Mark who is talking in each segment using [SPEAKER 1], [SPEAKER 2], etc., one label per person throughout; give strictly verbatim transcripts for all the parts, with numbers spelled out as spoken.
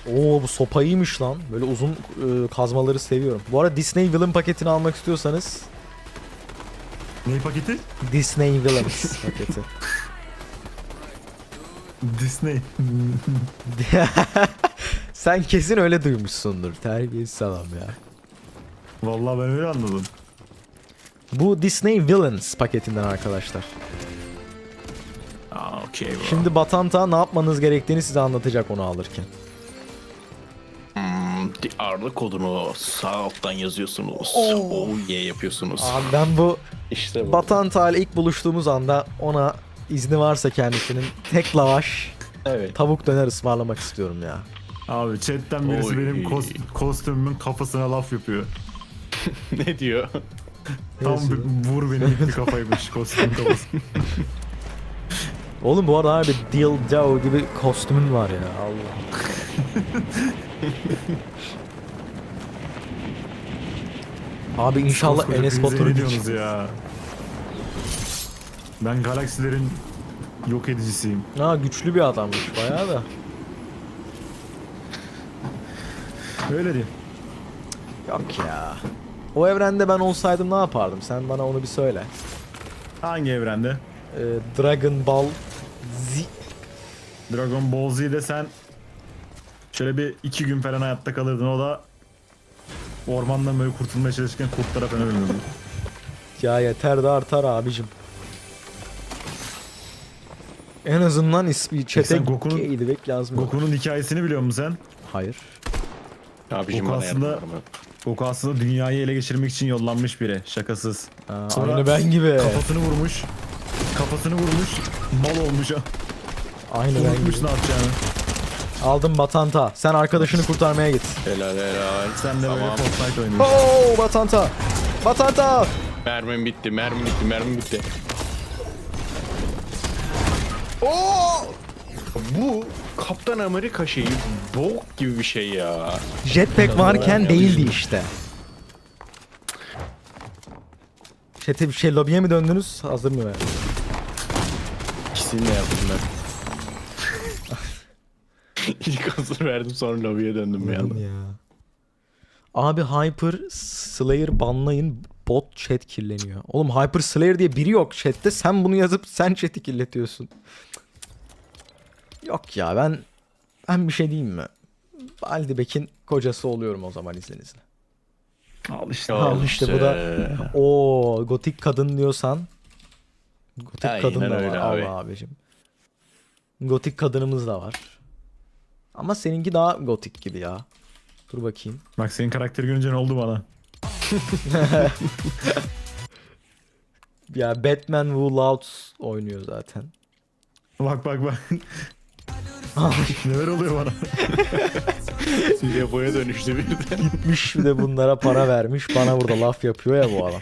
[SPEAKER 1] Oo bu sopa iyiymiş lan. Böyle uzun e, kazmaları seviyorum. Bu arada Disney Villain paketini almak istiyorsanız
[SPEAKER 2] Ney paketi?
[SPEAKER 1] Disney Villains paketi.
[SPEAKER 2] Disney.
[SPEAKER 1] Sen kesin öyle duymuşsundur. Terbiyesiz adam ya.
[SPEAKER 2] Vallahi ben öyle anladım.
[SPEAKER 1] Bu Disney Villains paketinden arkadaşlar.
[SPEAKER 2] Aa okey bro.
[SPEAKER 1] Şimdi Batanta ne yapmanız gerektiğini size anlatacak onu alırken.
[SPEAKER 3] Hmm, ağırlık kodunu sağ alttan yazıyorsunuz. Oh yeah yapıyorsunuz.
[SPEAKER 1] Abi ben bu
[SPEAKER 3] İşte bu.
[SPEAKER 1] Batanta ile ilk buluştuğumuz anda ona izni varsa kendisinin tek lavaş
[SPEAKER 3] Evet.
[SPEAKER 1] tavuk döner ısmarlamak istiyorum ya.
[SPEAKER 2] Abi chatten birisi
[SPEAKER 3] Oy.
[SPEAKER 2] benim kos- kostümümün kafasına laf yapıyor.
[SPEAKER 3] Ne diyor?
[SPEAKER 2] Tam
[SPEAKER 1] yazıyor?
[SPEAKER 2] bir vur beni gitti kafaymış kostümün kafası.
[SPEAKER 1] Oğlum bu arada abi dildo gibi kostümün var ya Allah. Abi inşallah
[SPEAKER 2] Koskoca
[SPEAKER 1] Enes
[SPEAKER 2] hepinize
[SPEAKER 1] Batur'u
[SPEAKER 2] ne diyorsunuz
[SPEAKER 1] geçeceğiz.
[SPEAKER 2] ya? Ben galaksilerin yok edicisiyim.
[SPEAKER 1] Ha güçlü bir adammış bayağı da.
[SPEAKER 2] Öyle değil.
[SPEAKER 1] Yok ya. O evrende ben olsaydım ne yapardım? Sen bana onu bir söyle.
[SPEAKER 2] Hangi evrende?
[SPEAKER 1] Ee, Dragon Ball Z.
[SPEAKER 2] Dragon Ball Z'de sen şöyle bir iki gün falan hayatta kalırdın. O da ormandan böyle kurtulmaya çalışırken kurtlara falan ölürdün.
[SPEAKER 1] Ya yeter de artar abicim. En azından ismi çete
[SPEAKER 2] sen Goku'nun-
[SPEAKER 1] gay demek lazım.
[SPEAKER 2] Goku'nun hikayesini biliyor musun sen?
[SPEAKER 1] Hayır.
[SPEAKER 3] Abicim
[SPEAKER 2] Goku
[SPEAKER 3] bana
[SPEAKER 2] aslında-
[SPEAKER 3] yardım var mı?
[SPEAKER 2] Goku aslında dünyayı ele geçirmek için yollanmış biri. Şakasız.
[SPEAKER 1] Aa,
[SPEAKER 2] Sonra
[SPEAKER 1] aynı ben gibi.
[SPEAKER 2] Kafasını vurmuş. Kafasını vurmuş. Mal olmuş.
[SPEAKER 1] Aynı ben
[SPEAKER 2] Unutmuş
[SPEAKER 1] gibi.
[SPEAKER 2] ne yapacağını.
[SPEAKER 1] Aldım Batanta. Sen arkadaşını kurtarmaya git.
[SPEAKER 3] Helal helal.
[SPEAKER 2] Sen de böyle
[SPEAKER 3] Tamam.
[SPEAKER 2] Fortnite oynuyorsun.
[SPEAKER 1] Oo Batanta. Batanta.
[SPEAKER 3] Mermim bitti, mermim bitti, mermim bitti. Bu Kaptan Amerika şeyi bok gibi bir şey ya.
[SPEAKER 1] Jetpack varken değildi işte. Chat'e bir şey lobiye mi döndünüz? Hazır mı yani?
[SPEAKER 3] İkisini de yaptım ben. İlk hazır verdim sonra lobiye döndüm bir anda.
[SPEAKER 1] Ya. Abi Hyper Slayer banlayın, bot chat kirleniyor. Oğlum Hyper Slayer diye biri yok chatte. Sen bunu yazıp sen chat'i kirletiyorsun. Yok ya ben ben bir şey diyeyim mi? Baldibek'in kocası oluyorum o zaman izninizle.
[SPEAKER 2] Al işte.
[SPEAKER 1] Al işte bu da o gotik kadın diyorsan gotik
[SPEAKER 3] Aynen
[SPEAKER 1] kadın da
[SPEAKER 3] öyle
[SPEAKER 1] var
[SPEAKER 3] abi.
[SPEAKER 1] Allah abicim. Gotik kadınımız da var. Ama seninki daha gotik gibi ya. Dur bakayım.
[SPEAKER 2] Bak senin karakteri görünce ne oldu bana?
[SPEAKER 1] Ya Batman Who Louds oynuyor zaten.
[SPEAKER 2] Bak bak bak. Neler oluyor bana?
[SPEAKER 3] Yaboya dönüştü birden.
[SPEAKER 1] Gitmiş bir de bunlara para vermiş. Bana burada laf yapıyor ya bu adam.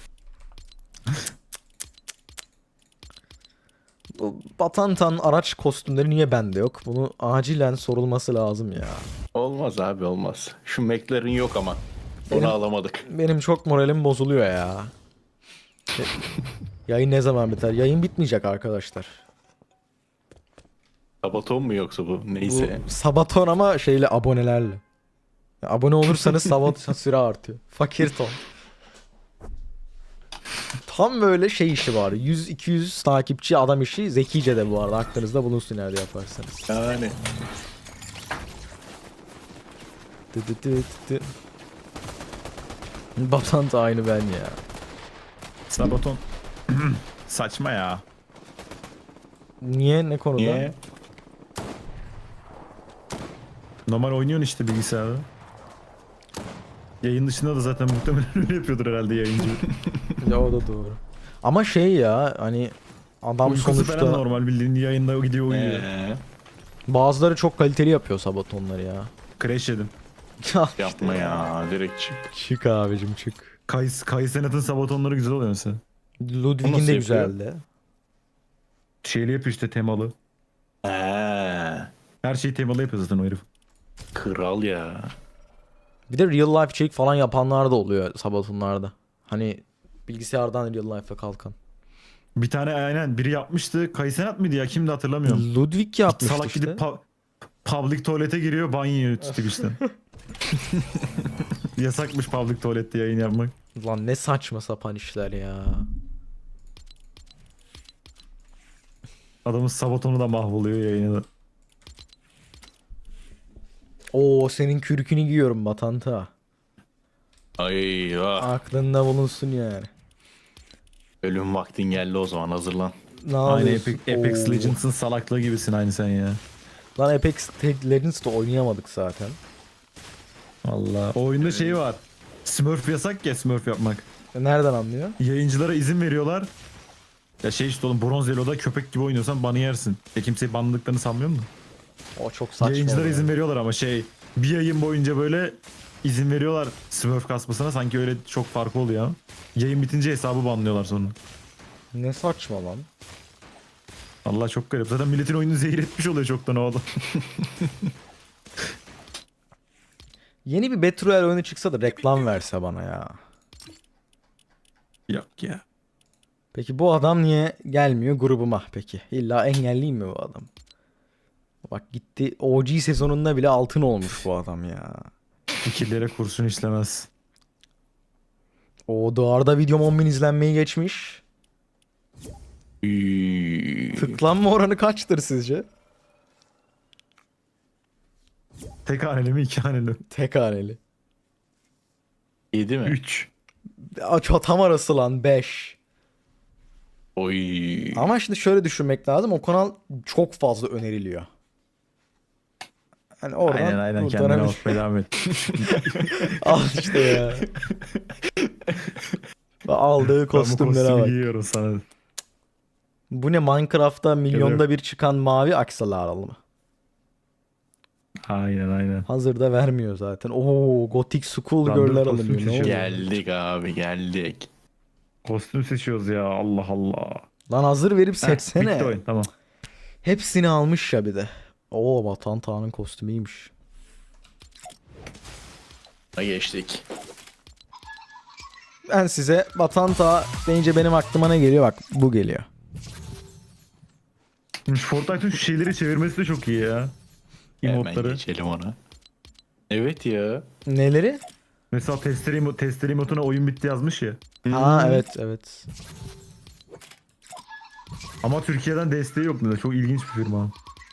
[SPEAKER 1] Bu Batantan araç kostümleri niye bende yok? Bunu acilen sorulması lazım ya.
[SPEAKER 3] Olmaz abi olmaz. Şu McLaren yok ama.
[SPEAKER 1] Benim-
[SPEAKER 3] Onu alamadık.
[SPEAKER 1] Benim çok moralim bozuluyor ya. E, Yayın ne zaman biter? Yayın bitmeyecek arkadaşlar.
[SPEAKER 3] Sabaton mu yoksa bu?
[SPEAKER 1] Bu
[SPEAKER 3] Neyse.
[SPEAKER 1] Sabaton ama şeyle abonelerle. Ya abone olursanız Sabaton süre artıyor. Fakir ton. Tam böyle şey işi var. yüz iki yüz takipçi adam işi zekice de bu arada. Aklınızda bulunsun nerede yaparsanız.
[SPEAKER 3] Yani.
[SPEAKER 1] Dı dı dı dı dı. Batan da aynı ben ya.
[SPEAKER 2] Sabaton. Saçma ya.
[SPEAKER 1] Niye? Ne konuda?
[SPEAKER 3] Niye?
[SPEAKER 2] Normal oynuyorsun işte bilgisayarda. Yayın dışında da zaten muhtemelen öyle yapıyordur herhalde yayıncı.
[SPEAKER 1] Ya o da doğru. Ama şey ya hani adam
[SPEAKER 2] Uykusu
[SPEAKER 1] sonuçta
[SPEAKER 2] falan normal bildiğin yayında gidiyor uyuyor.
[SPEAKER 3] Ee,
[SPEAKER 1] bazıları çok kaliteli yapıyor Sabatonları ya.
[SPEAKER 2] Crash yedim.
[SPEAKER 3] yapma ya. Direkt çık.
[SPEAKER 1] Çık abicim çık.
[SPEAKER 2] Kays, Kaysenat'ın sabatonları güzel oluyor mesela.
[SPEAKER 1] Ludwig'in
[SPEAKER 3] nasıl
[SPEAKER 1] de
[SPEAKER 3] yapıyor?
[SPEAKER 1] güzeldi.
[SPEAKER 2] Şeyli yapıyor işte temalı.
[SPEAKER 3] Ee,
[SPEAKER 2] Her şeyi temalı yapıyor zaten o herif.
[SPEAKER 3] kral ya.
[SPEAKER 1] Bir de real life check falan yapanlar da oluyor Sabatonlarda. Hani bilgisayardan real life'a kalkan.
[SPEAKER 2] Bir tane aynen biri yapmıştı. Kaysenat mıydı ya kimdi hatırlamıyorum.
[SPEAKER 1] Ludwig yapmıştı
[SPEAKER 2] Salak
[SPEAKER 1] işte.
[SPEAKER 2] gidip pa- public tuvalete giriyor, banyo yiyor Twitch'ten. Yasakmış public tuvalette yayın yapmak.
[SPEAKER 1] Lan ne saçma sapan işler ya.
[SPEAKER 2] Adamın sabotonu da mahvoluyor yayını da.
[SPEAKER 1] Oo senin kürkünü giyiyorum Batanta.
[SPEAKER 3] Ay ah.
[SPEAKER 1] Aklında bulunsun yani.
[SPEAKER 3] Ölüm vaktin geldi o zaman, hazırlan.
[SPEAKER 1] Ne
[SPEAKER 2] Aynı
[SPEAKER 1] yapıyorsun?
[SPEAKER 2] Epic, Apex
[SPEAKER 1] Oo.
[SPEAKER 2] Legends'ın salaklığı gibisin aynı sen ya.
[SPEAKER 1] Lan Apex Legends'da oynayamadık zaten.
[SPEAKER 2] Valla. O oyunda şey var. Smurf yasak ya, Smurf yapmak.
[SPEAKER 1] E, Nereden anlıyor?
[SPEAKER 2] Yayıncılara izin veriyorlar. Ya şey işte oğlum, Bronz Elo'da köpek gibi oynuyorsan banı yersin. Ya kimseyi banladıklarını sanmıyor musun?
[SPEAKER 1] O çok saçma.
[SPEAKER 2] Yayıncılara
[SPEAKER 1] oluyor.
[SPEAKER 2] izin veriyorlar ama şey, bir yayın boyunca böyle izin veriyorlar Smurf kasmasına, sanki öyle çok farkı oluyor ama. Yayın bitince hesabı banlıyorlar sonra.
[SPEAKER 1] Ne saçma lan.
[SPEAKER 2] Allah çok garip. Zaten milletin oyununu zehir etmiş oluyor çoktan o adam.
[SPEAKER 1] Yeni bir Battle Royale oyunu çıksa da reklam verse bana ya.
[SPEAKER 2] Yok ya.
[SPEAKER 1] Peki bu adam niye gelmiyor grubuma peki? İlla engelliyim mi bu adam? Bak gitti O G sezonunda bile altın olmuş bu adam ya.
[SPEAKER 2] Fikirlere kurşun işlemez.
[SPEAKER 1] O duvarda videom on bin izlenmeyi geçmiş.
[SPEAKER 3] Üy.
[SPEAKER 1] Tıklanma oranı kaçtır sizce?
[SPEAKER 2] Tek haneli mi, iki haneli mi?
[SPEAKER 1] Tek haneli.
[SPEAKER 3] Yedi mi?
[SPEAKER 2] Üç.
[SPEAKER 1] Aç tam arası lan beş.
[SPEAKER 3] Oy.
[SPEAKER 1] Ama şimdi şöyle düşünmek lazım. O kanal çok fazla öneriliyor. Hani oradan
[SPEAKER 2] Aynen aynen,
[SPEAKER 1] buradan
[SPEAKER 2] kendine
[SPEAKER 1] hani-
[SPEAKER 2] bakmaya devam et.
[SPEAKER 1] Al işte ya. Aldığı
[SPEAKER 2] Ben bu
[SPEAKER 1] kostümlere
[SPEAKER 2] kostümü
[SPEAKER 1] bak.
[SPEAKER 2] giyiyorum sana.
[SPEAKER 1] Bu ne, Minecraft'ta milyonda bir çıkan mavi aksesuar mı?
[SPEAKER 2] Aynen aynen.
[SPEAKER 1] Hazırda vermiyor zaten. Oo, Gothic School
[SPEAKER 2] Lan dur,
[SPEAKER 1] Girl'ler
[SPEAKER 2] kostüm
[SPEAKER 1] alınıyor. Ne
[SPEAKER 2] seçiyorum.
[SPEAKER 1] oluyor?
[SPEAKER 3] Geldik abi, geldik.
[SPEAKER 2] Kostüm seçiyoruz ya, Allah Allah.
[SPEAKER 1] Lan hazır verip
[SPEAKER 2] Heh,
[SPEAKER 1] seçsene.
[SPEAKER 2] bitti oyun, tamam.
[SPEAKER 1] Hepsini almış ya bir de. Oo, Vatan Tağ'ın kostümüymüş.
[SPEAKER 3] Ha, geçtik.
[SPEAKER 1] Ben size Vatan Tağı deyince benim aklıma ne geliyor? Bak bu geliyor.
[SPEAKER 2] Şimdi Fortnite'ın şu şeyleri çevirmesi de çok iyi ya.
[SPEAKER 3] Hemen
[SPEAKER 2] Emotları.
[SPEAKER 3] geçelim ona. Evet ya.
[SPEAKER 1] Neleri?
[SPEAKER 2] Mesela testere, emo testere emotuna oyun bitti yazmış ya.
[SPEAKER 1] Ha evet evet.
[SPEAKER 2] Ama Türkiye'den desteği yok da, çok ilginç bir firma.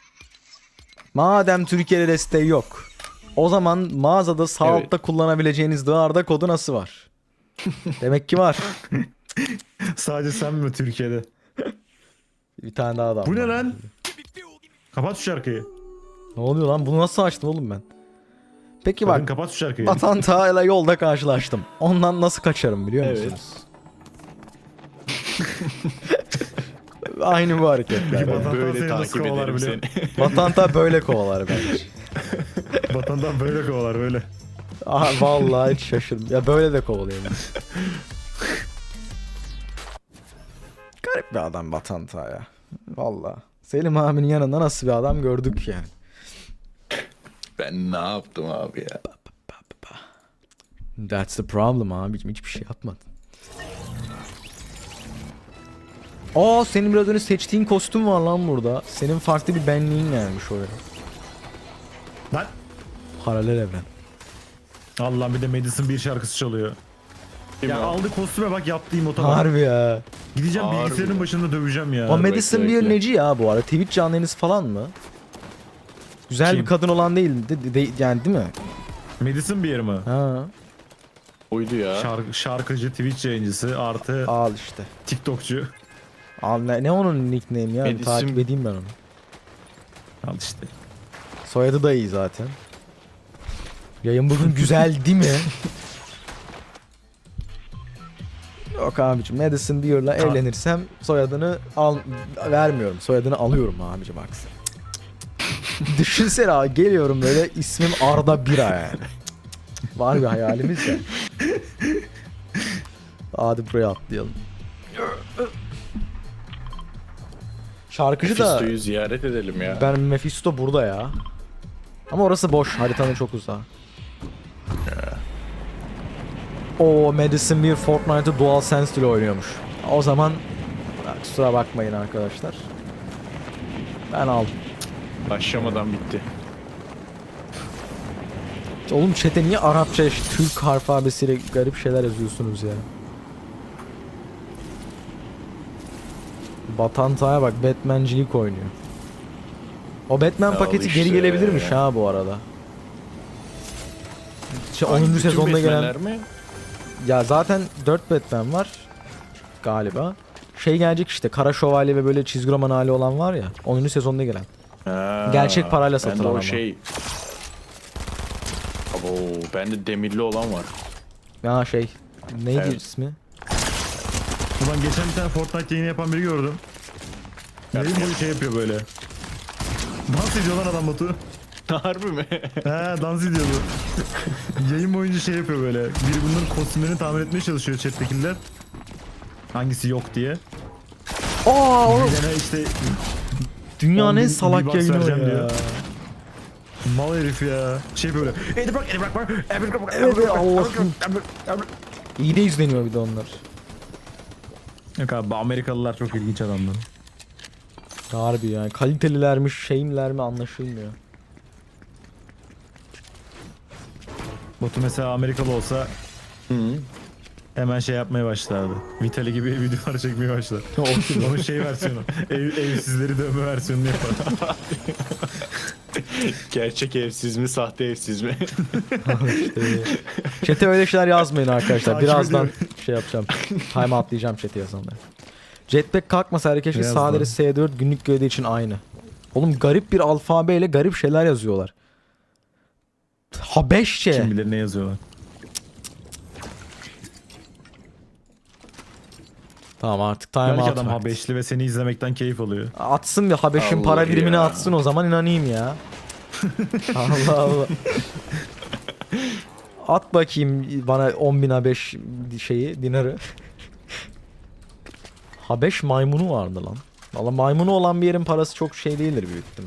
[SPEAKER 1] Madem Türkiye'de desteği yok, o zaman mağazada sağ
[SPEAKER 3] Evet.
[SPEAKER 1] altta kullanabileceğiniz dağarda kodu nasıl var? Demek ki var.
[SPEAKER 2] Sadece sen mi Türkiye'de?
[SPEAKER 1] Bir tane daha adam
[SPEAKER 2] Bu ne
[SPEAKER 1] var.
[SPEAKER 2] lan? Kapat şu şarkıyı.
[SPEAKER 1] Ne oluyor lan? Bunu nasıl açtım oğlum ben? Peki
[SPEAKER 2] Bakın
[SPEAKER 1] bak,
[SPEAKER 2] kapat şu şarkıyı.
[SPEAKER 1] Vatan Tağ'yla yolda karşılaştım. Ondan nasıl kaçarım biliyor
[SPEAKER 3] Evet.
[SPEAKER 1] musunuz? Aynı bu hareketler.
[SPEAKER 2] Vatan Tağı
[SPEAKER 3] Böyle
[SPEAKER 2] seni nasıl
[SPEAKER 3] takip
[SPEAKER 2] kovalar
[SPEAKER 3] ederim
[SPEAKER 2] biliyor
[SPEAKER 3] seni.
[SPEAKER 1] Vatan Tağ böyle kovalar bence.
[SPEAKER 2] Vatandan böyle kovalar böyle.
[SPEAKER 1] Aha, vallahi hiç şaşırdım. Ya böyle de kovalıyor. Garip bir adam Vatan Tağ ya. Vallahi. Selim abinin yanında nasıl bir adam gördük yani.
[SPEAKER 3] Ben ne yaptım abi ya?
[SPEAKER 1] That's the problem abicim. Hiçbir şey yapmadın. Aa, senin biraz önce seçtiğin kostüm var lan burada. Senin farklı bir benliğin gelmiş oraya.
[SPEAKER 2] Lan.
[SPEAKER 1] Paralel evren.
[SPEAKER 2] Allah'ım, bir de Madison bir şarkısı çalıyor.
[SPEAKER 3] Değil
[SPEAKER 2] Ya
[SPEAKER 3] mi?
[SPEAKER 2] aldı kostüme bak, yaptığı emota bak.
[SPEAKER 1] Harbi ya.
[SPEAKER 2] Gideceğim
[SPEAKER 3] Harbi.
[SPEAKER 2] bilgisayarın başında döveceğim ya.
[SPEAKER 1] O Madison
[SPEAKER 3] bekle,
[SPEAKER 1] bir
[SPEAKER 3] bekle.
[SPEAKER 1] neci ya bu arada? Twitch canlı yayınız falan mı? Güzel
[SPEAKER 2] Kim?
[SPEAKER 1] bir kadın olan değil de, de- yani değil mi?
[SPEAKER 2] Madison bir yer mi?
[SPEAKER 1] Ha,
[SPEAKER 3] Oydu ya.
[SPEAKER 2] Şarkı, şarkıcı, Twitch yayıncısı artı
[SPEAKER 1] al işte.
[SPEAKER 2] TikTokçu.
[SPEAKER 1] Al ne, ne onun nickname ya?
[SPEAKER 3] Madison-
[SPEAKER 1] Takip edeyim ben onu.
[SPEAKER 2] Al işte.
[SPEAKER 1] Soyadı da iyi zaten. Yayın bugün güzel değil mi? Yok abicim, Madison Beer'la evlenirsem soyadını al vermiyorum. Soyadını alıyorum abicim aksi. Düşünsene abi, geliyorum böyle ismim Arda Bira yani. Var bir hayalimiz ya. Hadi buraya atlayalım. Şarkıcı da
[SPEAKER 3] Fisto'yu ziyaret edelim ya.
[SPEAKER 1] ben Mephisto burada ya. Ama orası boş, haritanın çok uzağı. O Madison bir Fortnite'ı DualSense ile oynuyormuş. O zaman kusura bakmayın arkadaşlar. Ben aldım.
[SPEAKER 3] Başlamadan bitti.
[SPEAKER 1] Oğlum chat'e niye Arapça, Türk harf alfabesiyle garip şeyler yazıyorsunuz ya? Batantaya bak, Batmancilik oynuyor. O Batman
[SPEAKER 3] Al
[SPEAKER 1] paketi
[SPEAKER 3] işte.
[SPEAKER 1] geri gelebilirmiş ha bu arada. Şey,
[SPEAKER 3] Hangi
[SPEAKER 1] onuncu
[SPEAKER 3] bütün
[SPEAKER 1] sezonda gelen...
[SPEAKER 3] Batman'ler mi?
[SPEAKER 1] Ya zaten dört Batman var galiba. Şey gelecek işte, Kara Şövalye ve böyle çizgi roman hali olan var ya. onuncu sezonda gelen.
[SPEAKER 3] Ha,
[SPEAKER 1] Gerçek parayla
[SPEAKER 3] bende
[SPEAKER 1] satılan
[SPEAKER 3] o
[SPEAKER 1] ama.
[SPEAKER 3] şey. Abo, bende demirli olan var.
[SPEAKER 1] Ya şey, neydi
[SPEAKER 3] Evet.
[SPEAKER 1] ismi?
[SPEAKER 2] Ulan geçen bir tane Fortnite yayını yapan biri gördüm. Yayın boyu şey yapıyor böyle. Dans ediyor lan adam Batu.
[SPEAKER 3] Harbi mi?
[SPEAKER 2] He dans ediyordu. Yayın boyunca şey yapıyor böyle. Biri bunların kostümlerini tahmin etmeye çalışıyor chat'tekiler. Hangisi yok diye.
[SPEAKER 1] Aa oğlum,
[SPEAKER 2] Bilene işte
[SPEAKER 1] dünyanın
[SPEAKER 2] on
[SPEAKER 1] en
[SPEAKER 2] bin
[SPEAKER 1] salak
[SPEAKER 2] V-Bucks
[SPEAKER 1] yayını o
[SPEAKER 2] vereceğim
[SPEAKER 1] ya.
[SPEAKER 2] diyor. Mal herif ya. Şey böyle. Edi bak, edi bak bak.
[SPEAKER 1] Evet, evet, Allah'ım. İyi de izleniyor bir de onlar.
[SPEAKER 2] Yok abi, Amerikalılar çok ilginç adamlar.
[SPEAKER 1] Harbi yani, kalitelilermiş şeyimler mi anlaşılmıyor.
[SPEAKER 2] Batu mesela Amerikalı olsa
[SPEAKER 3] Hı.
[SPEAKER 2] hemen şey yapmaya başlardı. Vitali gibi videolar çekmeye başlar. Onun şey versiyonu. Ev, evsizleri dövme versiyonunu yapar.
[SPEAKER 3] Gerçek evsiz mi, sahte evsiz mi?
[SPEAKER 1] İşte, chat'e öyle şeyler yazmayın arkadaşlar.
[SPEAKER 2] Takip
[SPEAKER 1] Birazdan
[SPEAKER 2] ediyorum.
[SPEAKER 1] şey yapacağım. Time atlayacağım chat'e yazanları. Jetpack kalkmasa keşke
[SPEAKER 2] Beyaz
[SPEAKER 1] sadeleri
[SPEAKER 2] da.
[SPEAKER 1] S dört günlük görevi için aynı. Oğlum garip bir alfabeyle garip şeyler yazıyorlar. Habeşçe.
[SPEAKER 2] Kim bilir ne yazıyorlar.
[SPEAKER 1] Tamam artık time
[SPEAKER 2] Belki
[SPEAKER 1] out
[SPEAKER 2] adam
[SPEAKER 1] vakti.
[SPEAKER 2] Habeşli ve seni izlemekten keyif alıyor.
[SPEAKER 1] Atsın bir Habeş'in
[SPEAKER 3] Allah
[SPEAKER 1] para birimini
[SPEAKER 3] ya.
[SPEAKER 1] atsın, o zaman inanayım ya. Allah Allah. At bakayım bana on bin Habeş şeyi, dinarı. Habeş maymunu vardı lan. Valla maymunu olan bir yerin parası çok şey değildir büyük ihtimal.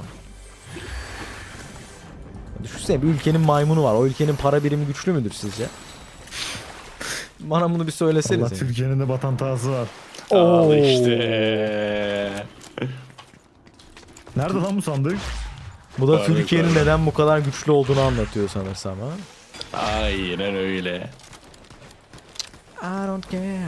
[SPEAKER 1] Düşünsene, bir ülkenin maymunu var. O ülkenin para birimi güçlü müdür sizce? Bana bunu bir
[SPEAKER 2] Allah
[SPEAKER 1] söylesenize.
[SPEAKER 2] Türkiye'nin de batantası var.
[SPEAKER 3] Al
[SPEAKER 1] Oo.
[SPEAKER 3] işte.
[SPEAKER 2] Nerede lan bu sandık?
[SPEAKER 1] Bu da
[SPEAKER 3] Var,
[SPEAKER 1] Türkiye'nin
[SPEAKER 3] var.
[SPEAKER 1] neden bu kadar güçlü olduğunu anlatıyor sanırsam ha.
[SPEAKER 3] Aynen öyle.
[SPEAKER 1] I don't care.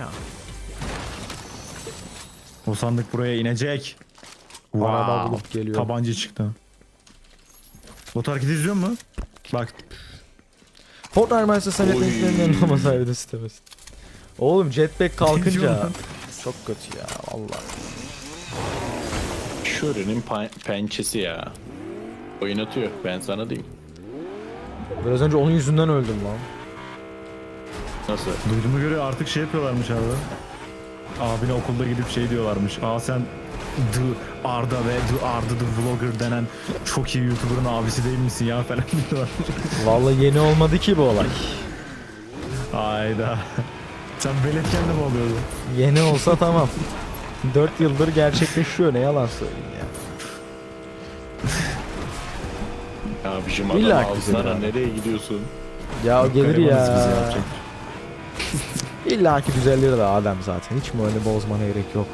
[SPEAKER 2] O sandık buraya inecek.
[SPEAKER 1] Araba bulup geliyor.
[SPEAKER 2] Tabanca çıktı. Batu hareketi izliyor mu? Bak.
[SPEAKER 1] Fortnite Manchester
[SPEAKER 3] Oy.
[SPEAKER 1] yeteneklerinin yanılmasaydı istemesin. Oğlum jetpack
[SPEAKER 2] Ne diyor
[SPEAKER 1] kalkınca
[SPEAKER 2] lan?
[SPEAKER 1] çok kötü ya vallahi.
[SPEAKER 3] Şure'nin pa- pençesi ya. Oynatıyor, ben sana diyeyim.
[SPEAKER 1] Biraz önce onun yüzünden öldüm lan.
[SPEAKER 3] Nasıl?
[SPEAKER 2] Duyduğuma göre artık şey yapıyorlarmış abi. Abine okulda gidip şey diyorlarmış. Aa sen The Arda ve The Arda The Vlogger denen çok iyi YouTuber'ın abisi değil misin ya falan diyorlar.
[SPEAKER 1] Vallahi yeni olmadı ki bu olay.
[SPEAKER 2] Hayda. Sen veletken de mi oluyordun?
[SPEAKER 1] Yeni olsa tamam. dört yıldır gerçekleşiyor, ne yalan söyleyeyim ya.
[SPEAKER 3] Abicim
[SPEAKER 1] İlla
[SPEAKER 3] adam
[SPEAKER 1] ki güzel
[SPEAKER 3] alsana,
[SPEAKER 1] abi.
[SPEAKER 3] nereye gidiyorsun?
[SPEAKER 1] Ya o gelir
[SPEAKER 2] Garibanız biz
[SPEAKER 1] ya.
[SPEAKER 2] yapacak.
[SPEAKER 1] İlla ki düzelir de Adem zaten. Hiç mi öyle bozmana gerek yok.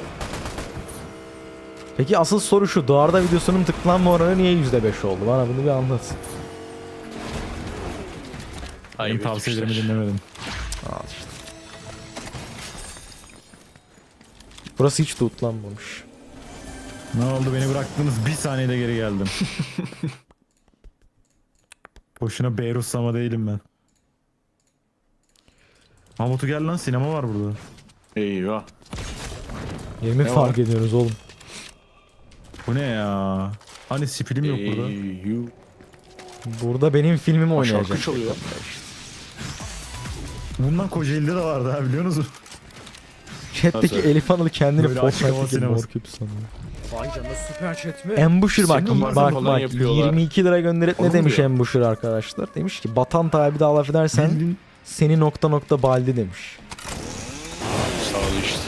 [SPEAKER 1] Peki asıl soru şu. Doğarda videosunun tıklanma oranı niye yüzde beş oldu? Bana bunu bir anlat.
[SPEAKER 2] Benim
[SPEAKER 3] Ayıp
[SPEAKER 2] tavsiyelerimi
[SPEAKER 3] etmişler.
[SPEAKER 2] dinlemedin.
[SPEAKER 1] Al işte. Burası hiç tutlanmamış.
[SPEAKER 2] Ne oldu, beni bıraktınız bir saniyede geri geldim. Boşuna Beyruslama değilim ben. Mahmut'u gel lan, sinema var burada.
[SPEAKER 3] Eyvah.
[SPEAKER 1] Yemin
[SPEAKER 3] Ne
[SPEAKER 1] fark
[SPEAKER 3] var?
[SPEAKER 1] ediyoruz oğlum.
[SPEAKER 2] Bu ne ya? Hani spilim yok burada.
[SPEAKER 3] Eyvah.
[SPEAKER 1] Burada benim filmim
[SPEAKER 3] Aa,
[SPEAKER 1] oynayacak.
[SPEAKER 3] şarkı çalıyor.
[SPEAKER 2] Bundan Kocaeli'de de vardı ha, biliyor musun?
[SPEAKER 1] Chat'teki
[SPEAKER 3] Nasıl?
[SPEAKER 1] Elif Anıl kendini
[SPEAKER 2] Böyle açık hava
[SPEAKER 1] Fortnite'deki
[SPEAKER 2] sineması.
[SPEAKER 1] Morcube sanıyor.
[SPEAKER 4] Vay canına, süper chat mi?
[SPEAKER 1] Ambusher bak
[SPEAKER 3] Senin
[SPEAKER 1] bak
[SPEAKER 3] falan
[SPEAKER 1] bak
[SPEAKER 3] yapıyorlar.
[SPEAKER 1] yirmi iki lira gönderip ne
[SPEAKER 3] Onu
[SPEAKER 1] demiş
[SPEAKER 3] diyor.
[SPEAKER 1] Ambusher arkadaşlar? Demiş ki Batan tabi de laf edersen
[SPEAKER 2] Bildiğin-
[SPEAKER 1] seni nokta nokta baldi demiş.
[SPEAKER 3] Sağ ol işte.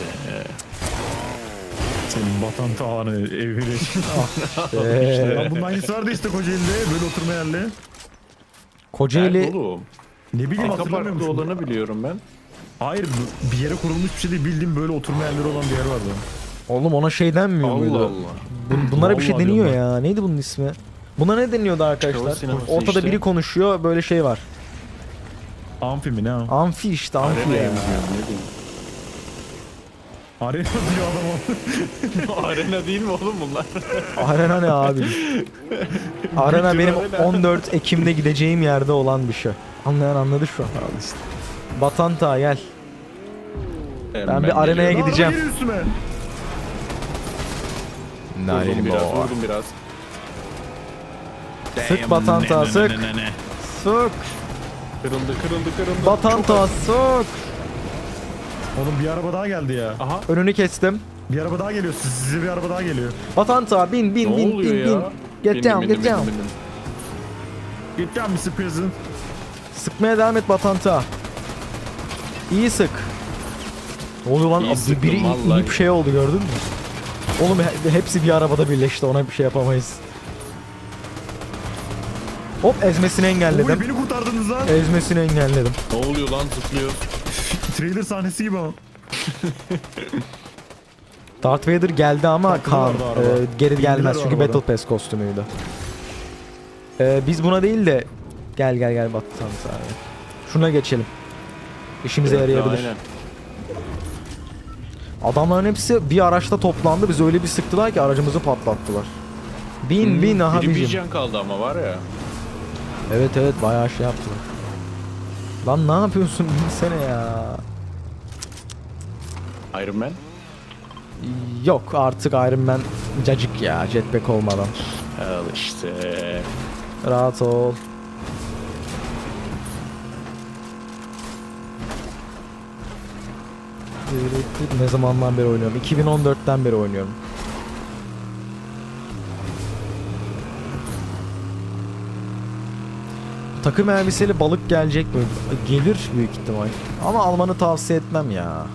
[SPEAKER 2] Senin batan tavanı evine.
[SPEAKER 1] Eee,
[SPEAKER 2] Lan bunun aynısı vardı işte Kocaeli'de, böyle oturma yerli.
[SPEAKER 1] Kocaeli
[SPEAKER 3] Nerede oğlum?
[SPEAKER 2] Ne bileyim,
[SPEAKER 3] Arka
[SPEAKER 2] hatırlamıyor
[SPEAKER 3] parkta
[SPEAKER 2] musun?
[SPEAKER 3] olanı biliyorum ben.
[SPEAKER 2] Hayır, bu- bir yere kurulmuş bir şey değil, bildiğim böyle oturma yerleri olan bir yer vardı.
[SPEAKER 1] oğlum ona şey denmiyor
[SPEAKER 3] Allah
[SPEAKER 1] muydu?
[SPEAKER 3] Allah.
[SPEAKER 1] Bun- bunlara bir şey
[SPEAKER 2] Vallahi
[SPEAKER 1] deniyor
[SPEAKER 2] diyorum
[SPEAKER 1] ya. Neydi bunun ismi? Buna ne deniyordu
[SPEAKER 3] Show
[SPEAKER 1] arkadaşlar?
[SPEAKER 3] sineması
[SPEAKER 1] Ortada
[SPEAKER 3] işte.
[SPEAKER 1] biri konuşuyor, böyle şey var.
[SPEAKER 2] Amfi mi ne o?
[SPEAKER 1] Amfi işte, amfi
[SPEAKER 3] Arenaya
[SPEAKER 1] ya.
[SPEAKER 3] mı diyorum, ne diyeyim?
[SPEAKER 2] Arena diyor adam o.
[SPEAKER 3] Arena değil mi oğlum bunlar?
[SPEAKER 1] Arena ne abi? Arena
[SPEAKER 3] Bütün
[SPEAKER 1] benim
[SPEAKER 3] arena.
[SPEAKER 1] on dört Ekim'de gideceğim yerde olan bir şey. Anlayan anladı şu an.
[SPEAKER 3] Al işte.
[SPEAKER 1] Batanta gel. Ben bir arenaya
[SPEAKER 3] geliyorum.
[SPEAKER 2] Lan
[SPEAKER 1] gideceğim.
[SPEAKER 2] araba geliyor üstüme.
[SPEAKER 3] Vurdum biraz, vurdum biraz.
[SPEAKER 1] Sık
[SPEAKER 3] Damn,
[SPEAKER 1] Batanta,
[SPEAKER 3] ne, ne,
[SPEAKER 1] sık.
[SPEAKER 3] ne, ne, ne.
[SPEAKER 1] Sık.
[SPEAKER 3] Kırıldı, kırıldı, kırıldı.
[SPEAKER 1] Batanta sık.
[SPEAKER 2] Oğlum bir araba daha geldi ya.
[SPEAKER 3] Aha.
[SPEAKER 1] Önünü kestim.
[SPEAKER 2] Bir araba daha geliyor. Siz- Size bir araba daha geliyor.
[SPEAKER 1] Batanta bin bin
[SPEAKER 3] Ne
[SPEAKER 1] bin
[SPEAKER 3] oluyor
[SPEAKER 1] bin
[SPEAKER 3] ya?
[SPEAKER 1] bin. Get
[SPEAKER 3] Bindim,
[SPEAKER 1] down
[SPEAKER 3] bindim,
[SPEAKER 1] get down.
[SPEAKER 3] bindim, bindim.
[SPEAKER 2] Git lan mister Prison.
[SPEAKER 1] Sıkmaya devam et Batanta. İyi sık. Ne oluyor lan?
[SPEAKER 3] İyi
[SPEAKER 1] Abi
[SPEAKER 3] sıktım,
[SPEAKER 1] biri
[SPEAKER 3] vallahi.
[SPEAKER 1] inip şey oldu, gördün mü? Oğlum he- hepsi bir arabada birleşti, ona bir şey yapamayız. Hop, ezmesini
[SPEAKER 2] Oy
[SPEAKER 1] engelledim.
[SPEAKER 2] beni kurtardınız lan.
[SPEAKER 1] Ezmesini engelledim.
[SPEAKER 3] Ne oluyor lan, zıplıyor.
[SPEAKER 2] Trailer sahnesi gibi ama.
[SPEAKER 1] Darth Vader geldi ama
[SPEAKER 2] Taktılar
[SPEAKER 1] Kaan
[SPEAKER 2] da araba.
[SPEAKER 1] e, geri
[SPEAKER 2] Bindiler
[SPEAKER 1] gelmez
[SPEAKER 2] o
[SPEAKER 1] çünkü
[SPEAKER 2] arabada.
[SPEAKER 1] Battle Pass kostümüydü. E, biz buna değil de gel gel gel Batanta abi. Şuna geçelim. İşimize yarayabilir.
[SPEAKER 3] Aynen.
[SPEAKER 1] Adamların hepsi bir araçta toplandı. Biz öyle bir sıktılar ki aracımızı patlattılar. Bin
[SPEAKER 3] Hmm,
[SPEAKER 1] bin aha
[SPEAKER 3] biri bir
[SPEAKER 1] bizim.
[SPEAKER 3] can kaldı ama var ya.
[SPEAKER 1] Evet evet bayağı şey yaptılar. Lan ne yapıyorsun? Binsene ya.
[SPEAKER 3] Iron Man.
[SPEAKER 1] Yok artık Iron Man cacık ya, jetpack olmadan.
[SPEAKER 3] Al işte.
[SPEAKER 1] Rahat ol. Ne zamandan beri oynuyorum? iki bin on dörtten beri oynuyorum. Takım elbiseli balık gelecek mi? Gelir büyük ihtimal. Ama almanı tavsiye etmem ya.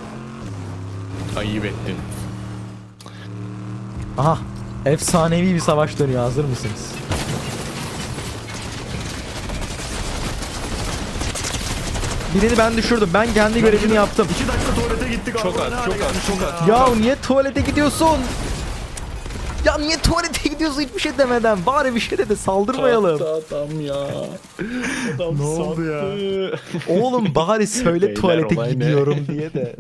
[SPEAKER 3] Ayıp ettin.
[SPEAKER 1] Aha. Efsanevi bir savaş dönüyor. Hazır mısınız? Birini ben düşürdüm. Ben kendi görevimi yaptım.
[SPEAKER 2] İki dakika tuvalete gittik.
[SPEAKER 3] Çok
[SPEAKER 2] araba ne
[SPEAKER 3] az,
[SPEAKER 2] hale
[SPEAKER 3] çok az,
[SPEAKER 2] gelmiş
[SPEAKER 3] çok az.
[SPEAKER 1] Ya niye tuvalete gidiyorsun? Ya niye tuvalete gidiyorsun hiçbir şey demeden? Bari bir şey de de saldırmayalım.
[SPEAKER 3] Sattı adam ya. Adam
[SPEAKER 2] Ne oldu ya?
[SPEAKER 3] sattı.
[SPEAKER 1] Oğlum bari söyle
[SPEAKER 3] Beyler,
[SPEAKER 1] tuvalete
[SPEAKER 3] olay ne?
[SPEAKER 1] gidiyorum diye de.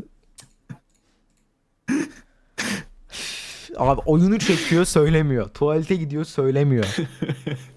[SPEAKER 1] Abi oyunu çekiyor söylemiyor. Tuvalete gidiyor söylemiyor.